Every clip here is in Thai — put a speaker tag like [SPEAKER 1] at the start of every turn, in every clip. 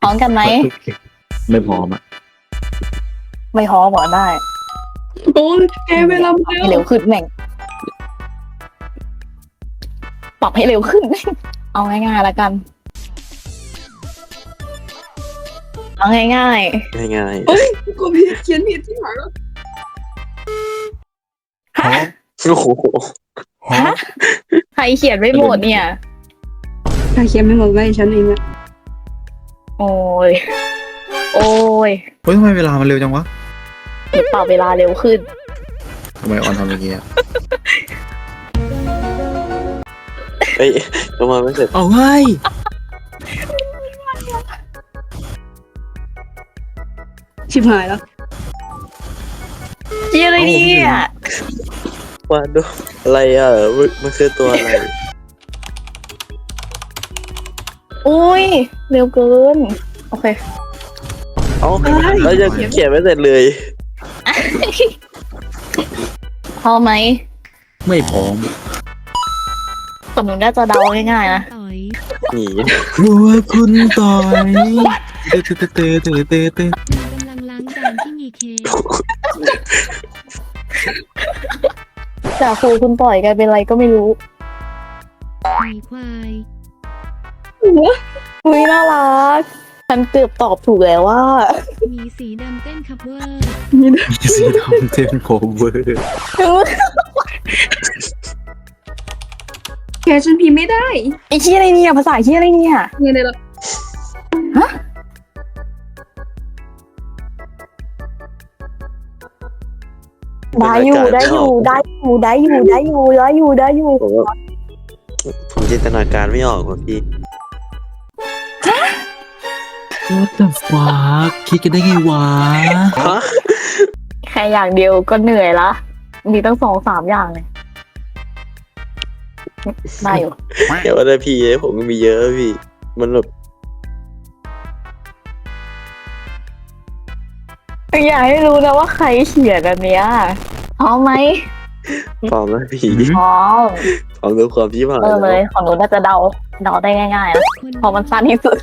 [SPEAKER 1] ร้อมกันไหม
[SPEAKER 2] ไม่พร้อมอ่ะ
[SPEAKER 1] ไม่พร้อมเหรอได้
[SPEAKER 3] โอ้ยแกเวลา
[SPEAKER 1] ปรับให้เร็วขึ้นแม่งปรับให้เร็วขึ้น เอาง่ายๆแล้วกันเอาง่าย
[SPEAKER 4] ง่าย
[SPEAKER 3] กูผิดเขียนผิดที่หายแล้ว
[SPEAKER 1] ๆฮะ
[SPEAKER 4] ๆโอ้โห
[SPEAKER 1] ฮะใครเขียนไม่หมดเนี่ย
[SPEAKER 3] ถ้าเขียนไม่หมดไว้ฉันเองอะ
[SPEAKER 1] โอ้ยโอ้ย
[SPEAKER 2] เฮ้ยทำไมเวลามันเร็วจังวะ
[SPEAKER 1] หนูปรับเวลาเร็วขึ้น
[SPEAKER 2] ทำไมออนทำอย่างเงี้ย
[SPEAKER 4] เฮ้ยยังมาไม่เสร็จ
[SPEAKER 2] เอาเฮ้ย
[SPEAKER 3] ชิบหายแล้ว
[SPEAKER 1] เจียอะไรเนี่ย
[SPEAKER 4] ว่าดูอะไรอ่ะมันคือตัวอะไร
[SPEAKER 1] อุ้ยเร็วเกิน โอเค
[SPEAKER 4] เอ้าเราจะเขียนไม่เสร็จเลย
[SPEAKER 1] พอไหม
[SPEAKER 2] ไม่พร้อม
[SPEAKER 1] แต่หนูน่าจะเดาง่ายๆนะ
[SPEAKER 5] ต่อย
[SPEAKER 4] หนี
[SPEAKER 2] รู้ว่าคุณต่อยเตะเตะเตะเตะเตะเตะ
[SPEAKER 5] นางกำลังล้างจานที่มีเค้ก
[SPEAKER 1] จากครูคุณปล่อยกลายเป็นอะไรก็ไม่รู้
[SPEAKER 5] หมีควาย
[SPEAKER 1] อุ้ยน่ารัก ฉันเกือบตอบถูกแล้วว่า
[SPEAKER 5] หมีสีดำเต้นคัฟเวอร์
[SPEAKER 2] มีสีดำเต็มโคเวอร์
[SPEAKER 3] แกฉันพิมพ์ไม่ได้
[SPEAKER 1] ไอ้เชี่ยอะไรเนี่ยภาษาเชี่ยอะไรเนี่ย
[SPEAKER 3] เงินเลยละ
[SPEAKER 1] ได้อยู่ได้อยู่ได้อยู่ได้อยู่ได้อยู่ได้อยู่ได้อยู่
[SPEAKER 4] ผมจินตนาการไม่ออกว่ะพี่
[SPEAKER 2] What the fuck คิดกันได้ไงวะ
[SPEAKER 4] ฮะ
[SPEAKER 1] แค่อย่างเดียวก็เหนื่อยละ มีตั้ง2-3อย่างเลยได้อยู่
[SPEAKER 4] เดี๋ยวอะไรพี่ผมก็มีเยอะพี่ มันแบบ
[SPEAKER 1] อยากให้รู้นะว่าใครเขียนอันเนี้ยพร้อมไหม
[SPEAKER 4] ปลอมแล้วพี่
[SPEAKER 1] พร้อม
[SPEAKER 4] ปลอมดูความที่ผ่าน
[SPEAKER 1] เริ่มเลยของหนูน่าจะเดาได้ง่ายๆนะ
[SPEAKER 5] คน
[SPEAKER 1] เพราะมันสั้นที่สุด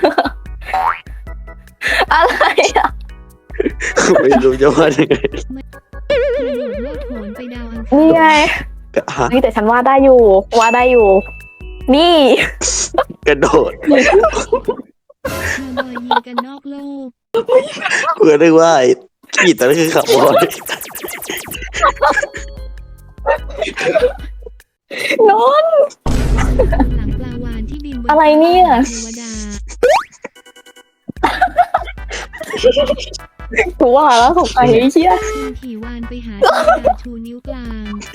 [SPEAKER 1] อะไรอ่ะ
[SPEAKER 4] ไม่รู้จะว่ายังไง
[SPEAKER 5] กระโดดโลดโผนไปดาวอังคาร
[SPEAKER 1] นี่ไง
[SPEAKER 4] ฮะ
[SPEAKER 1] นี่แต่ฉันว่าได้อยู่ว่าได้อยู่ นี่
[SPEAKER 4] กระโดด
[SPEAKER 5] คาวบอยยิงกันนอกโลก
[SPEAKER 4] เพื่อได้ว่าไอ้ขีดแต่นั่นคือขับบอล
[SPEAKER 1] นนท์
[SPEAKER 5] หลังปลาวานที่บินบน
[SPEAKER 1] อะไรเนี่ย
[SPEAKER 5] เทวดา
[SPEAKER 1] กูว่าแล้วสงสัยไอ้เชี่ย
[SPEAKER 5] คุณขี่วานไปหาเทวดาชูนิ้วกลาง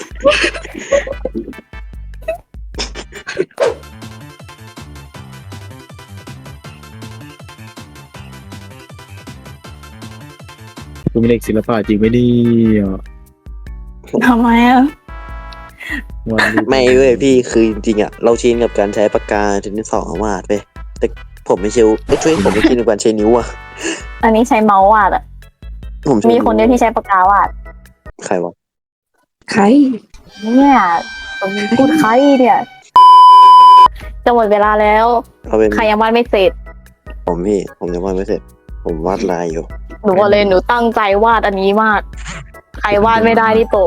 [SPEAKER 2] คุณมีเด็กศิลปะจริงไหมเนี่ย
[SPEAKER 1] ทำไมอ่ะ
[SPEAKER 2] วันนี้
[SPEAKER 4] ไม่เว้ยพี่คือจริงๆอ่ะเราชินกับการใช้ปากกาชนิดสองวาดไปแต่ผมไม่ชิวไม่ช่วยผมไม่ชินกับการใช้นิ้วอ่ะ
[SPEAKER 1] อันนี้ใช้เมาส์วาดอ่ะ
[SPEAKER 4] ผมใช้
[SPEAKER 1] มีคนเดียวที่ใช้ปากกาวาด
[SPEAKER 4] ใครวะ
[SPEAKER 3] ใคร
[SPEAKER 1] เนี่ยพูดใครเนี่ยจะหมดเวลาแล้ว
[SPEAKER 4] เราเป็น
[SPEAKER 1] ใครยังวาดไม่เสร็จ
[SPEAKER 4] ผมพี่ผมยังวาดไม่เสร็จ ผมวาดลายอยู่
[SPEAKER 1] หนูบอกเลยหนูตั้งใจวาดอันนี้มาก ใครวาดไม่ได้ที่ตก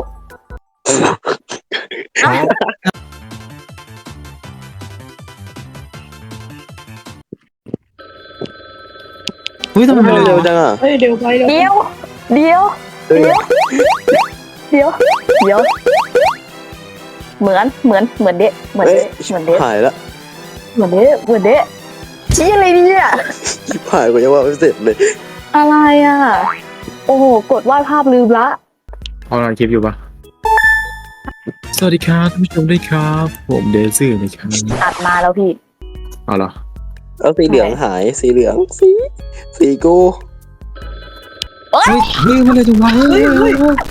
[SPEAKER 2] เฮ้ยทำไมมัน
[SPEAKER 4] เร็
[SPEAKER 2] เร็
[SPEAKER 4] ว
[SPEAKER 2] ว
[SPEAKER 4] จังอ่ะ
[SPEAKER 3] เฮ้ยเดี๋ยวไปแล้ว
[SPEAKER 1] เดี๋ยว เดี๋ยว
[SPEAKER 4] เฮ้ย
[SPEAKER 1] เดี๋ยว เดี๋ยว เหมือนเดะเหมือนเดะเหมือนเดะ
[SPEAKER 4] หายแล้ว
[SPEAKER 1] เหมือนเดะเหมือนเดะชี้อะไรเนี่ย
[SPEAKER 4] ชิบหายกว่าจะวาดไม่เสร็จเลย
[SPEAKER 1] อะไรอ่ะ โอ้โห กดวาดภาพลืมละ
[SPEAKER 2] เอาเราคลิปอยู่ปะสวัสดีครับท่านผู้ชมด้วยครับ ผมเดซี่นะครับ
[SPEAKER 1] ตัดมาแล้วพี่
[SPEAKER 2] เอาเหรอ
[SPEAKER 4] แล้วสีเหลืองหายสีเหลืองสีกู
[SPEAKER 2] เฮ้ยเฮ้ยมันเลยจังวะเฮ้ยเฮ้ยเฮ้ย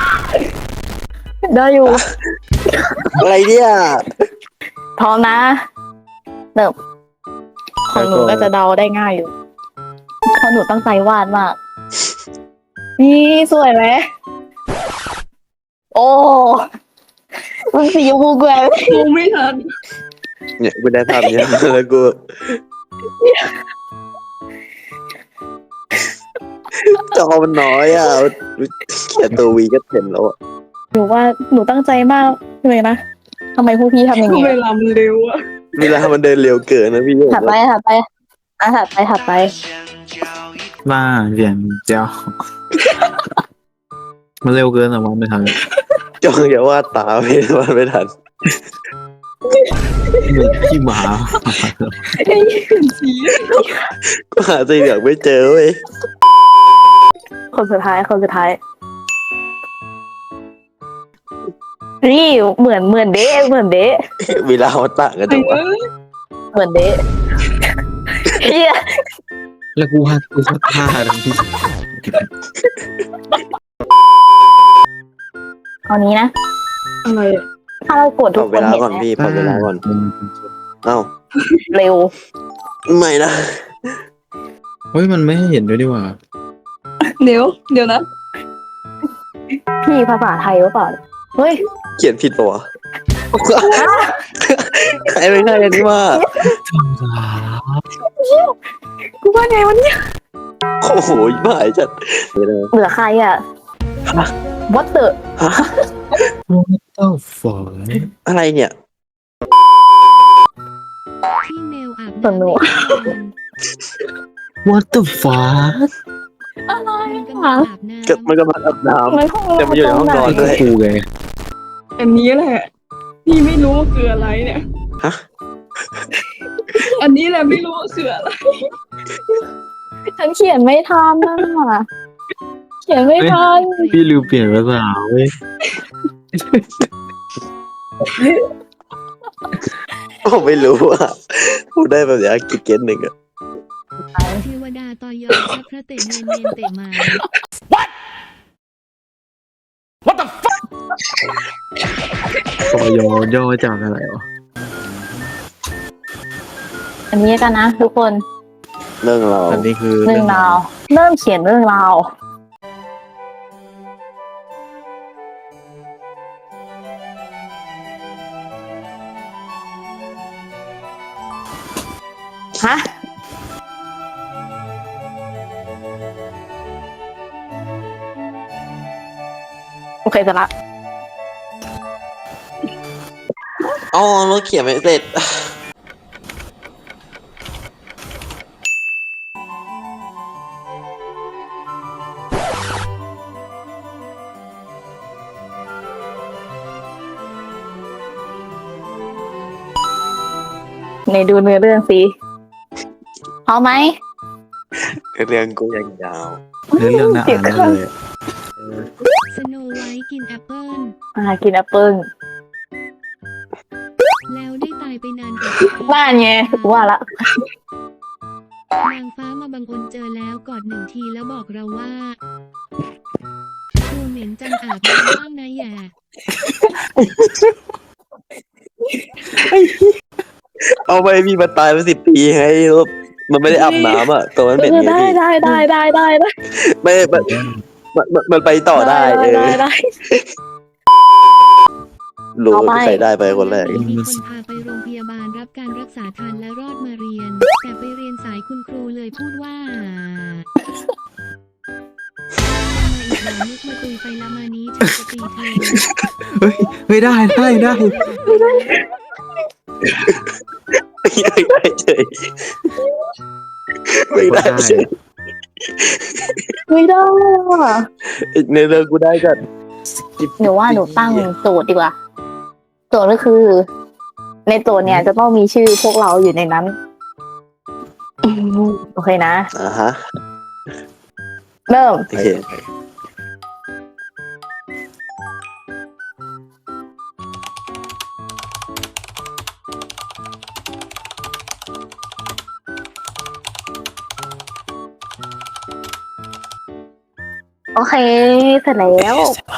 [SPEAKER 1] ได้อยู่
[SPEAKER 4] อะไรเนี่ย
[SPEAKER 1] พร้อมนะเริ่มของหนูก็จะเดาได้ง่ายอยู่เพราะหนูตั้งใจวาดมาก นี่สวยไหม โอ้ มันสีชมพูแกว่ง
[SPEAKER 3] มองไม่ทัน
[SPEAKER 4] เนี่ยกูได้ภาพเนี้ยแล้วกูจอมันน้อยอ่ะเขียนตัววีก็เห็นแล้วอะ
[SPEAKER 1] หนูว่าหนูตั้งใจมากเลยนะทำไมพวกพี่ทำอย่าง
[SPEAKER 3] เว
[SPEAKER 1] นี้
[SPEAKER 3] ลามันเร็วอะ
[SPEAKER 4] เวลามันเดินเร็วเกินนะพี่
[SPEAKER 1] ถัดไปถัดไปถัดไป
[SPEAKER 2] มาเรียนเจ้ามันเร็วเกินอะวันไม่ทัน
[SPEAKER 4] จ้องอย่าว่าดตาไม่ทัน
[SPEAKER 2] เหมือนขี้หมา
[SPEAKER 3] สี
[SPEAKER 4] ก็หาสีเหลืองไม่เจอเว้ย
[SPEAKER 1] คนสุดท้ายนี่เหมือนเดะ
[SPEAKER 4] เวลามันต่างกันจังวะ
[SPEAKER 1] เหมือนเดะเฮีย
[SPEAKER 2] แล้วกูว่าท่าทั้งที่
[SPEAKER 1] เอานี้นะ
[SPEAKER 3] อะไรอะ
[SPEAKER 1] ถ้าเรากด
[SPEAKER 4] พ
[SPEAKER 1] ทุ
[SPEAKER 4] อก
[SPEAKER 1] ค
[SPEAKER 4] เวน ลา
[SPEAKER 1] เห็น
[SPEAKER 4] ก่อน
[SPEAKER 1] ไหม
[SPEAKER 4] พี่พอเวลาก่อน เอ้า
[SPEAKER 1] เร็ว
[SPEAKER 4] ไม่นะ
[SPEAKER 2] เฮ้ยมันไม่ให้เห็นด้วยดีกว่า
[SPEAKER 3] เดี๋ยวนะ
[SPEAKER 1] พี่ภาษาไทยหรือเปล่าเฮ้ย
[SPEAKER 4] เขียนผิดปะวะใครไม่ใช่กันที่ว่า
[SPEAKER 1] กูว่าไงวะเนี่ย
[SPEAKER 4] โอ้โหบ้าจัด
[SPEAKER 1] เหลือใครอ่ะ What the
[SPEAKER 2] เต้าฝอย
[SPEAKER 4] อะไรเนี่ย
[SPEAKER 5] ที่เมลอาบ
[SPEAKER 1] สนุก
[SPEAKER 2] What the fuck
[SPEAKER 1] อะไร
[SPEAKER 5] มันกำลังอาบน้
[SPEAKER 4] มันก็มาอาบน้
[SPEAKER 1] ในห้อง
[SPEAKER 4] แต่มันอยู่ในห้องนอน ด้วย
[SPEAKER 2] กูไง
[SPEAKER 3] อันนี้แหละพี่ไม่รู้ว่าคืออะไรเนี่ย
[SPEAKER 4] ฮะ
[SPEAKER 3] อันนี้แหละไม่รู้ว่าคืออะไร
[SPEAKER 1] ฉันเขียนไม่ทันน่ะเขียนไม่ทัน
[SPEAKER 5] ำ
[SPEAKER 2] พี่ลืมเปลี่ยนภาษาเว้ย
[SPEAKER 4] ผมไม่รู้อ่ะพูดได้แบบนี้กิจเกนหนึ่งอ่ะ
[SPEAKER 5] เทวดาตอยอชักพระเตเนนเตมา
[SPEAKER 2] ปอย่อจากอะไรวะ
[SPEAKER 1] อันนี้กันนะทุกคน
[SPEAKER 4] เรื่องเรา
[SPEAKER 2] อันนี้คือ
[SPEAKER 1] เรื่องราวเริ่มเขียนเรื่องราวฮะโอเคเสร็จละ
[SPEAKER 4] อ๋อเราเขียนไม่เสร็จ
[SPEAKER 1] ในดูเนื้อเรื่องสิพร้อมไหม
[SPEAKER 4] เรื่องกูยังยาว
[SPEAKER 2] เรื่องน่าอ่านมากเลย
[SPEAKER 5] สโนไวท์กินแอปเปิ้ล
[SPEAKER 1] กินแอปเปิ้ล
[SPEAKER 5] แล้วได้ตายไปนานกว่า
[SPEAKER 1] บ้านไงว่าละ
[SPEAKER 5] นางฟ้ามาบังเอิญเจอแล้วกอดหนึ่งทีแล้วบอกเราว่าตัวเหม็นจังอาบน้ำบ้างนะแย่
[SPEAKER 4] เอาไปพี่มันตายไป10 ปีไงแล้วมันไม่ได้อาบน้ำอ่ะตัวมันเป็นไง
[SPEAKER 1] ได้
[SPEAKER 4] พี่
[SPEAKER 1] ได้
[SPEAKER 4] ไม่มันไปต่อได้
[SPEAKER 1] ได้
[SPEAKER 4] รู้
[SPEAKER 1] เอาไป
[SPEAKER 4] ใครได้ไปคนแรก
[SPEAKER 5] มีคนพาไปโรงพยาบาลรับการรักษาทันและรอดมาเรียน แต่ไปเรียนสายคุณครูเลยพูดว่าอีกหน่อยนึกมาตุยไปละมานี้ฉันจะตีเธอ
[SPEAKER 2] ไม่ได้
[SPEAKER 4] ไม่ได้เฉยไม่ได้เฉย
[SPEAKER 1] ไม่ได้ว่ะ
[SPEAKER 4] ในเรื่องกูได้กัน
[SPEAKER 1] หนูว่าหนูตั้งโจทย์ดีกว่าโจทย์ก็คือ ในโจทย์เนี่ยจะต้องมีชื่อพวกเราอยู่ในนั้นโอเคนะ
[SPEAKER 4] ฮะ
[SPEAKER 1] เริ่ม
[SPEAKER 4] โอเค
[SPEAKER 1] โอเค เสร็จแล้ว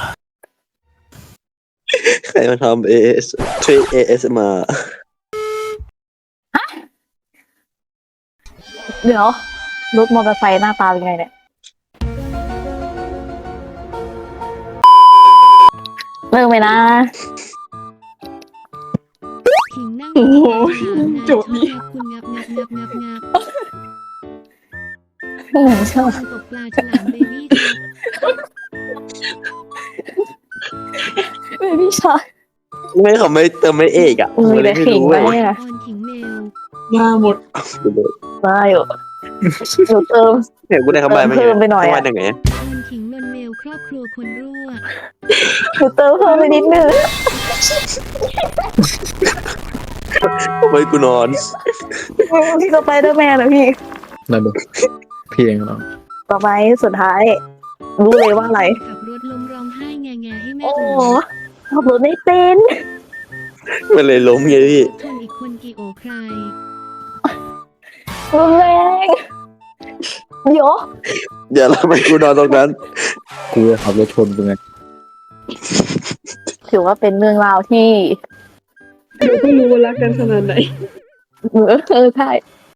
[SPEAKER 4] ใครมาทำ AS มา
[SPEAKER 1] เดี๋ยวรถมอเตอร์ไซค์หน้าตาเป็นไงเนี่ยเริ่มไปนะ
[SPEAKER 5] ขิงนั่ง
[SPEAKER 3] โอ้โห
[SPEAKER 5] ถามนาย
[SPEAKER 3] โจทย์นี้
[SPEAKER 5] ชอบคุณงับ
[SPEAKER 1] ชอบ
[SPEAKER 5] ตกปลาฉลามเบบี้ครับ
[SPEAKER 1] เบบี้ชาย
[SPEAKER 4] ไม่เขาไม่เติมไม่เอกอ่ะผม
[SPEAKER 1] มี
[SPEAKER 4] เล
[SPEAKER 1] แต่
[SPEAKER 4] ยไม่
[SPEAKER 1] ขิง
[SPEAKER 4] รู้
[SPEAKER 1] ไหม
[SPEAKER 4] เลย
[SPEAKER 1] อะ
[SPEAKER 5] ออนขิงเมล
[SPEAKER 3] มาหมด
[SPEAKER 1] มาอยู่หนูเติม
[SPEAKER 4] เห็นกูได้คำใบ้ไหม
[SPEAKER 1] เพิ่มไปหน่อยอะ
[SPEAKER 4] คำใบ้ยังไง
[SPEAKER 5] ออนขิงนนเมลครอบครัวคนรั่ว
[SPEAKER 1] หนูเติมเพิ่มไปนิดนึง
[SPEAKER 4] เฮ้ยกูนอน
[SPEAKER 1] พี่สไปเดอร์แมนนะพี่
[SPEAKER 2] นั่นดูพี่เองเนาะ
[SPEAKER 1] ต่อไปสุดท้าย รู้เลยว่าอะไร
[SPEAKER 5] ขับรถล้มร้องไห้แงๆให้แม่
[SPEAKER 1] โอ้
[SPEAKER 5] อุ่น
[SPEAKER 1] ขับรถไม่เป็น
[SPEAKER 4] มันเลยล้มไงพี่
[SPEAKER 5] ชนอีกคนกี่โอใคร
[SPEAKER 1] รุนแรงเดี๋ยว
[SPEAKER 4] อย่าทำไมกูนอนตรงนั้น
[SPEAKER 2] กูจะขับรถชนกูไง
[SPEAKER 1] ถือว่าเป็นเรื่องราวที่
[SPEAKER 3] เดี๋ยวก็รู้ว่ารักกันขนาดไหน
[SPEAKER 1] ใช่